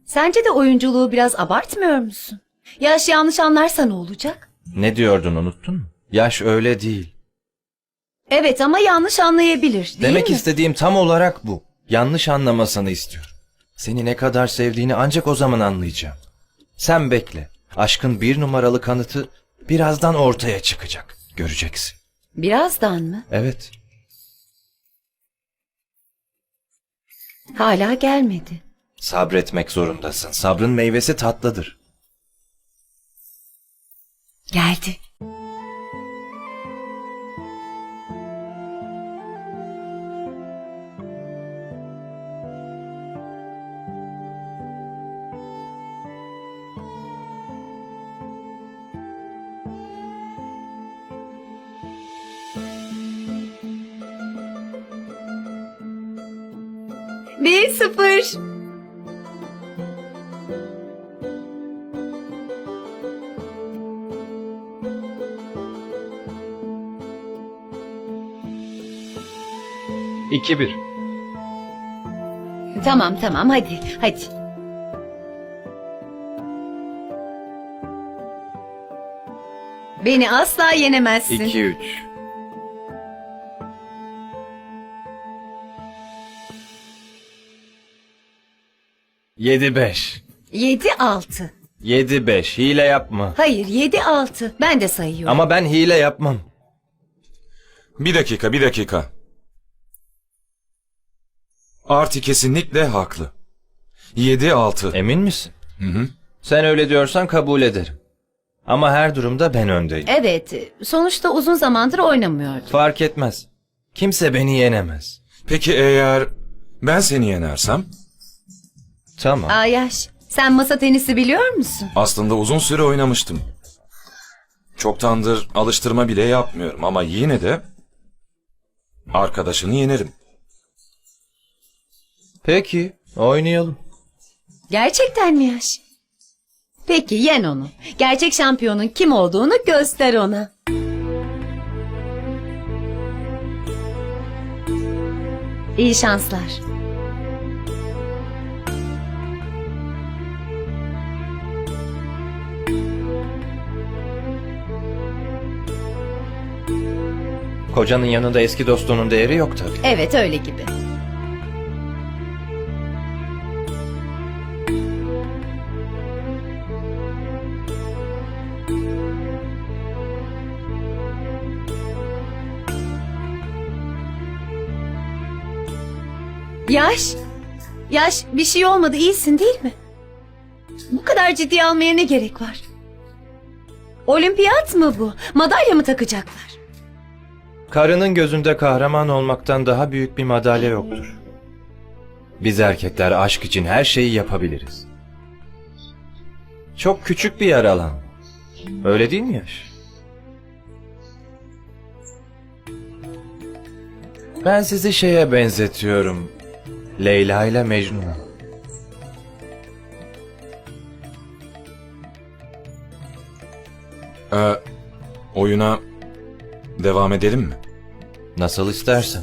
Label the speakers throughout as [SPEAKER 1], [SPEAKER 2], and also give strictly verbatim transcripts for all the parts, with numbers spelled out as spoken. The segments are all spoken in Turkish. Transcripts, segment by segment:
[SPEAKER 1] Sence de oyunculuğu biraz abartmıyor musun? Yaş yanlış anlarsa ne olacak?
[SPEAKER 2] Ne diyordun, unuttun mu? Yaş öyle değil.
[SPEAKER 1] Evet ama yanlış anlayabilir, değil
[SPEAKER 2] Demek
[SPEAKER 1] mi?
[SPEAKER 2] istediğim tam olarak bu. Yanlış anlamasını istiyorum. Seni ne kadar sevdiğini ancak o zaman anlayacağım. Sen bekle. Aşkın bir numaralı kanıtı birazdan ortaya çıkacak. Göreceksin.
[SPEAKER 1] Birazdan mı?
[SPEAKER 2] Evet.
[SPEAKER 1] Hala gelmedi.
[SPEAKER 2] Sabretmek zorundasın. Sabrın meyvesi tatlıdır.
[SPEAKER 1] Geldi. Bir sıfır.
[SPEAKER 3] iki bir.
[SPEAKER 1] Tamam tamam hadi hadi. Beni asla yenemezsin.
[SPEAKER 2] iki üç. yedi beş.
[SPEAKER 1] Yedi altı.
[SPEAKER 2] yedi beş. Hile yapma.
[SPEAKER 1] Hayır yedi altı. Ben de sayıyorum.
[SPEAKER 2] Ama ben hile yapmam.
[SPEAKER 4] Bir dakika, bir dakika. Arti kesinlikle haklı. yedi altı.
[SPEAKER 2] Emin misin?
[SPEAKER 4] Hı hı.
[SPEAKER 2] Sen öyle diyorsan kabul ederim. Ama her durumda ben öndeyim.
[SPEAKER 1] Evet, sonuçta uzun zamandır oynamıyordum.
[SPEAKER 2] Fark etmez. Kimse beni yenemez.
[SPEAKER 4] Peki eğer ben seni yenersem?
[SPEAKER 2] Tamam.
[SPEAKER 1] Ayaş, sen masa tenisi biliyor musun?
[SPEAKER 4] Aslında uzun süre oynamıştım. Çoktandır alıştırma bile yapmıyorum ama yine de arkadaşını yenerim.
[SPEAKER 2] Peki, oynayalım.
[SPEAKER 1] Gerçekten mi Yaş? Peki yen onu. Gerçek şampiyonun kim olduğunu göster ona. İyi şanslar.
[SPEAKER 2] Kocanın yanında eski dostunun değeri yok tabii.
[SPEAKER 1] Evet öyle gibi. Yaş, Yaş bir şey olmadı iyisin değil mi? Bu kadar ciddiye almaya ne gerek var? Olimpiyat mı bu? Madalya mı takacaklar?
[SPEAKER 2] Karının gözünde kahraman olmaktan daha büyük bir madalya yoktur. Biz erkekler aşk için her şeyi yapabiliriz. Çok küçük bir yer alan. Öyle değil mi Yaş? Ben sizi şeye benzetiyorum. Leyla ile Mecnun'a.
[SPEAKER 4] Ee, oyuna devam edelim mi?
[SPEAKER 2] Nasıl istersen.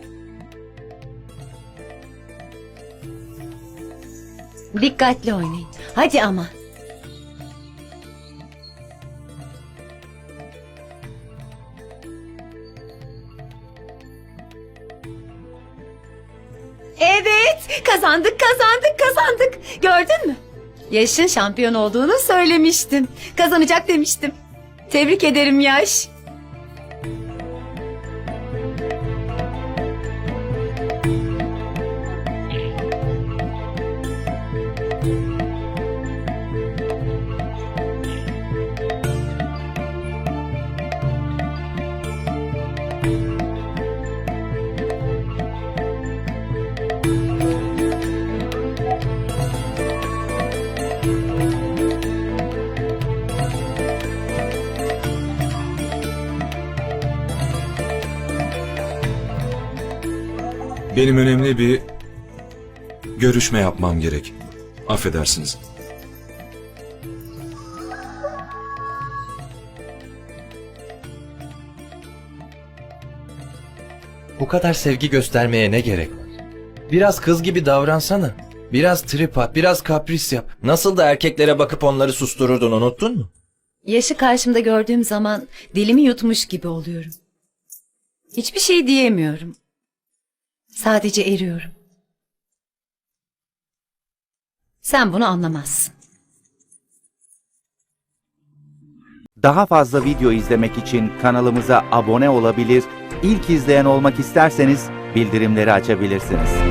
[SPEAKER 1] Dikkatli oynayın. Hadi ama. Evet, kazandık, kazandık, kazandık. Gördün mü? Yaş'ın şampiyon olduğunu söylemiştim. Kazanacak demiştim. Tebrik ederim Yaş.
[SPEAKER 4] Benim önemli bir görüşme yapmam gerek. Affedersiniz.
[SPEAKER 2] Bu kadar sevgi göstermeye ne gerek var? Biraz kız gibi davransana. Biraz trip at, biraz kapris yap. Nasıl da erkeklere bakıp onları sustururdun, unuttun mu?
[SPEAKER 1] Yaşı karşımda gördüğüm zaman dilimi yutmuş gibi oluyorum. Hiçbir şey diyemiyorum. Sadece eriyorum. Sen bunu anlamazsın.
[SPEAKER 3] Daha fazla video izlemek için kanalımıza abone olabilir, ilk izleyen olmak isterseniz bildirimleri açabilirsiniz.